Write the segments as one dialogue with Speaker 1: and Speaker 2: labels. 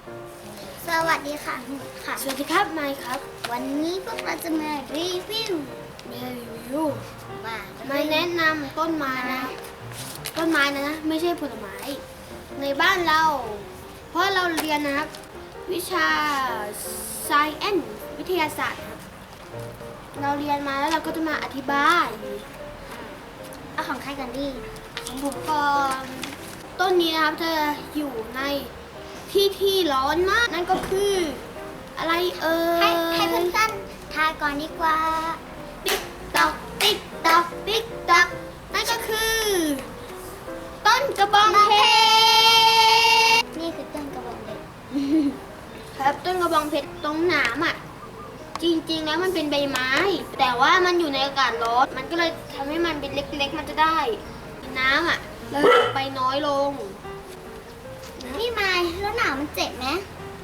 Speaker 1: สวัสดีค่ะค่ะ
Speaker 2: สวัสดีครับไมค์ครับ
Speaker 1: วันนี้พวกเราจะมารีวิวมา
Speaker 2: มาแนะนำต้นไม้นะต้นไม้นะไม่ใช่ผลไม้ในบ้านเรา เพราะเราเรียนนะครับ วิชา Science วิทยาศาสตร์ครับเราเรียนมาแล้วเราก็จะมาอธิบาย
Speaker 1: เอาของใครกันดี
Speaker 2: ของผมก่อนต้นนี้นะครับจะอยู่ในที่ร้อนมากนั่นก็คืออะไร
Speaker 1: ให้เพื่อนๆทายก่อนดีกว่า
Speaker 2: ติ๊กตอกติ๊กตอกติ๊กตอกนั่นก็คือ ต้นกระบองเพชร
Speaker 1: นี่คือต้นกระบอกเด็ก
Speaker 2: ครับต้นกระบองเพชรตรงหนามอ่ะจริงๆแล้วมันเป็นใบไม้ แต่ว่ามันอยู่ในอากาศร้อนมันก็เลยทำให้มันเป็นเล็กๆมันจะได้น้ำอ่ะแล้วไปน้อยลง
Speaker 1: นี่มายแล้วหนาวมันเจ็บไหม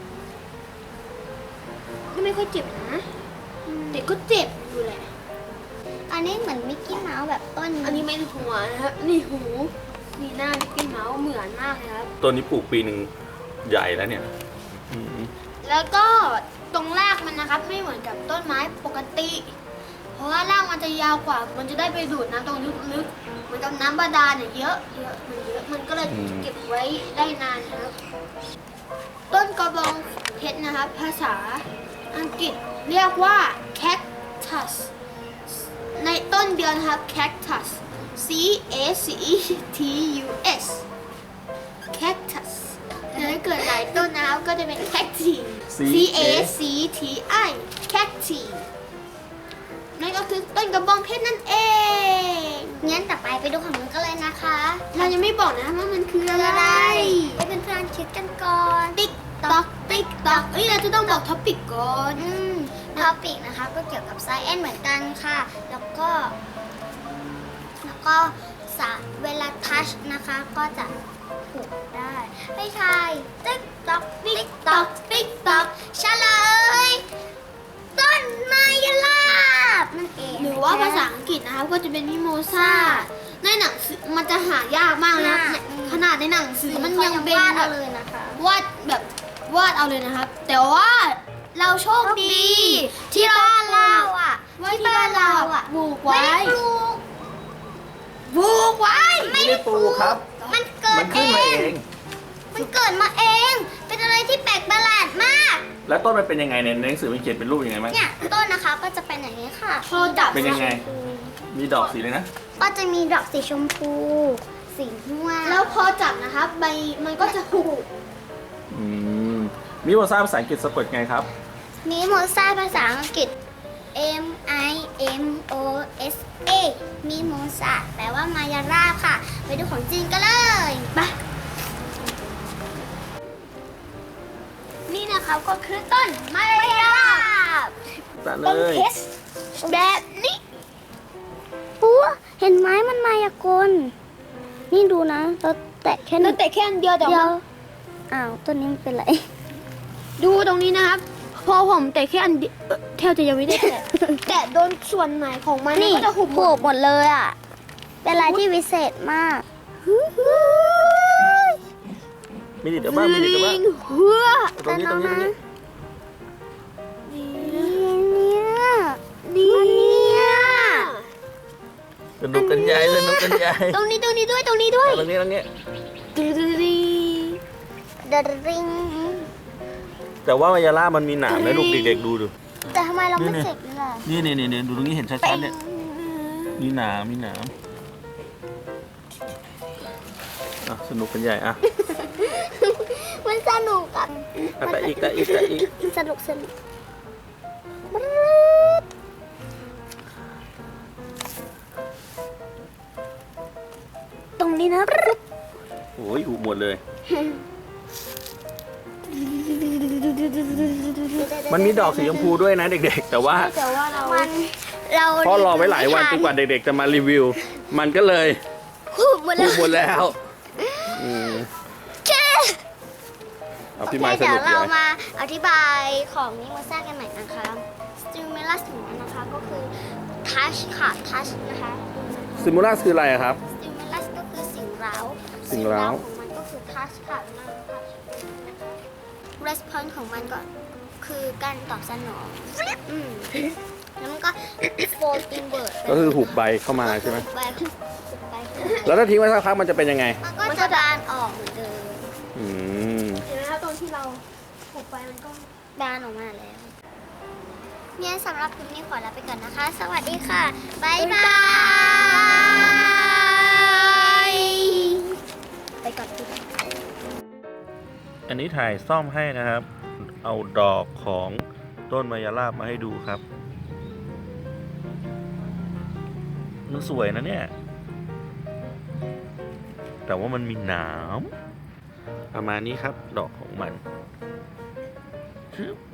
Speaker 2: ก็ไม่ค่อยเจ็บนะแต่ก็เจ็บอยู่แหละ
Speaker 1: อันนี้เหมือนมิกกี้เมาส์แบบต้น
Speaker 2: อันนี้ไม่ใช่หัวนะครับนี่หูนี่หน้ามิกกี้เมาส์เหมือนมากเลยครับ
Speaker 3: ต้นนี้ปลูกปีหนึ่งใหญ่แล้วเนี่ยอืม
Speaker 2: แล้วก็ตรงรากมันนะครับไม่เหมือนกับต้นไม้ปกติ เพราะว่ารากมันจะยาวกว่า มันจะได้ไปดูดน้ำตรงลึกๆเหมือนกับน้ำบาดาลเนี่ยเยอะมันก็เลยเก็บไว้ได้นานครับ ต้นกระบองเพชรนะครับ ภาษาอังกฤษเรียกว่า cactus ในต้นเดือนนะครับ cactus C A C T U S cactus แต่ถ้าเกิดหลายต้นนะครับก็จะเป็น cacti C A C T I cacti นั่นก็คือต้นกระบองเพชรนั่นเอง
Speaker 1: งั้นต่อไปดูของมันกันเลยนะคะ
Speaker 2: เรายังไม่บอกนะว่ามันคืออะไร
Speaker 1: ให้เพื่อนๆคิดกันก่อน
Speaker 2: ติ๊กตอกติ๊กตอกเราจะต้องบอกท็อปิกก่อน
Speaker 1: ท็อปิกนะคะก็เกี่ยวกับ Science เหมือนกันค่ะ แล้วก็เวลาทัชนะคะก็จะถูกได้ให้ทายติ๊กตอกติ๊กตอกติ๊กตอกเฉลยต้นไมยลาบนั่นเอง
Speaker 2: หรือว่าภาษาอังกฤษนะครับก็จะเป็นมิโมซาในหนังสือมันจะหายากมากนะขนาดในหนังสือมันยังเป็น
Speaker 1: วาด
Speaker 2: แบ
Speaker 1: เอา
Speaker 2: บ
Speaker 1: เลยนะคะ
Speaker 2: วาดเอาเลยนะครับ แต่ว่าเราโชคดี ที่บ้านเรา
Speaker 1: อ่ะ
Speaker 2: ว่าที่บ้านเราอ่ะปลูก
Speaker 1: ไม่
Speaker 2: ไว้
Speaker 1: ได้ปลูก
Speaker 2: ปลูกไว้
Speaker 3: ไม่ได้ปลูกครับ
Speaker 1: มันเกิด
Speaker 3: มันขึ้นมาเอง
Speaker 1: มันเกิดมาเอง เป็นอะไรที่แปลกประหลาดมาก
Speaker 3: แล้วต้นมันเป็นยังไงเนี่ยในหนังสือมันเขียนเป็นรูปยังไงมั้ง
Speaker 1: เนี่ยต้นนะคะก็จะเป็นอย่างนี้ค่ะ
Speaker 2: พอจับ
Speaker 3: เป็นยังไง มีดอกสีเลยนะ
Speaker 1: ก็จะมีดอกสีชมพู สีม่วง
Speaker 2: แล้วพอจับนะครับใบมันก็จะหุบ
Speaker 3: อืมมิโมซาภาษาอังกฤษสะกดไงครับ
Speaker 1: มีโมซาภาษาอังกฤษ M I M O S A มีโมซาแปลว่ามายาราบค่ะ ไปดูของจริงกันเลยไปนี่นะคะก็คือต้นมายาราบ
Speaker 3: ตัดเล
Speaker 1: เป็น
Speaker 3: ย
Speaker 1: เพชรแบบนี้ปัวเห็นไหมมันมายากล นี่ดูนะ เราแตะแค่
Speaker 2: แล้วแต่แค่อันเดียวแต่
Speaker 1: เดีย
Speaker 2: ว่า
Speaker 1: วอ้าวต้นนี้มันเป็นไร
Speaker 2: ดูตรงนี้นะครับ พอผมแต่แค่อันเดียวแทบจะยังไม่ได้แตะ แตะโดนส่วนไหนของมัน
Speaker 1: นี่
Speaker 2: ก็จะหุบหม
Speaker 1: ผู
Speaker 2: ด
Speaker 1: กหมดเลยอ่ะ เป็นอะไรที่วิเศษมาก
Speaker 3: มีดิดบ้างมีดิดบ้าง
Speaker 2: เฮือ
Speaker 3: ตรงนี้ตรงนี้ตรงนี้
Speaker 1: เนี่ยเนี่ย
Speaker 3: สนุกกันใหญ่สนุกกันใหญ่
Speaker 2: ตรงนี้ด้วย
Speaker 3: ตรงนี้ตรงนี้
Speaker 2: ตึ๊ด
Speaker 1: เดริง
Speaker 3: แต่ว่ามายาล่ามันมีหนามนะลูกเด็กๆดูดู
Speaker 1: แต่ทำไมเราไม่
Speaker 3: นี่
Speaker 1: เจ็บล่ะ
Speaker 3: นี่ดูตรงนี้เห็นชัดๆเนี่ยมีหนามอ่ะสนุกกันใหญ่อ่ะ
Speaker 1: มันสนุกอ่ะ
Speaker 3: แต่อีก
Speaker 1: สนุกตรงนี้นะ
Speaker 3: โอ้ยหุบหมดเลย มันมีดอกสีชมพูด้วยนะเด็กๆ แต่ว่า
Speaker 2: แต่ว่าเรา
Speaker 1: เรา
Speaker 3: พอรอไว้หลายวันจนกว่าเด็กๆจะมารีวิว มันก็เลย
Speaker 1: หูหมด
Speaker 3: หุ
Speaker 1: แล้
Speaker 3: บ
Speaker 1: ว
Speaker 3: หมดแล้วอืม
Speaker 1: แค่
Speaker 3: เอาพี่ไม้ส
Speaker 1: เดี๋ย
Speaker 3: นุ
Speaker 1: ว
Speaker 3: ก
Speaker 1: เรา
Speaker 3: เลย
Speaker 1: มาอธิบายของนิโมซ่ากันใหม่นะคะสติมูลัสของมันนะคะก็คือทัชค่ะทัชนะคะ
Speaker 3: ซิมูลัสคืออะไรอะครับ
Speaker 1: สติมูลัสก็คือสิ่งเร้า
Speaker 3: สิ่งเร้า
Speaker 1: ของมันก็คือทัชค่ะมันทัชนะคะ response ของมันก็คือการตอบสนองแล้วมันก็ fold inward
Speaker 3: ก็คือหุบใบเข้ามาใช่ไหม
Speaker 1: หุบใบ
Speaker 3: แล้วถ้าทิ้งไว้สักพักมันจะเป็นยังไง
Speaker 1: มันก็จะบานออกเหมือนเดิม
Speaker 3: อืม
Speaker 2: เห็นไหมคะตรงที่เราหุบไปมันก็
Speaker 1: บานออกมาแล้วเนี่ยสำหรับคลิปนี้ขอลาไปก่อนนะคะ สวัสดีค่ะ บ๊ายบาย ไปก่อนทุกคน
Speaker 3: อันนี้ถ่ายซ่อมให้นะครับ เอาดอกของต้นมายาลาบมาให้ดูครับมันสวยนะเนี่ย แต่ว่ามันมีหนามประมาณนี้ครับ ดอกของมันชึบ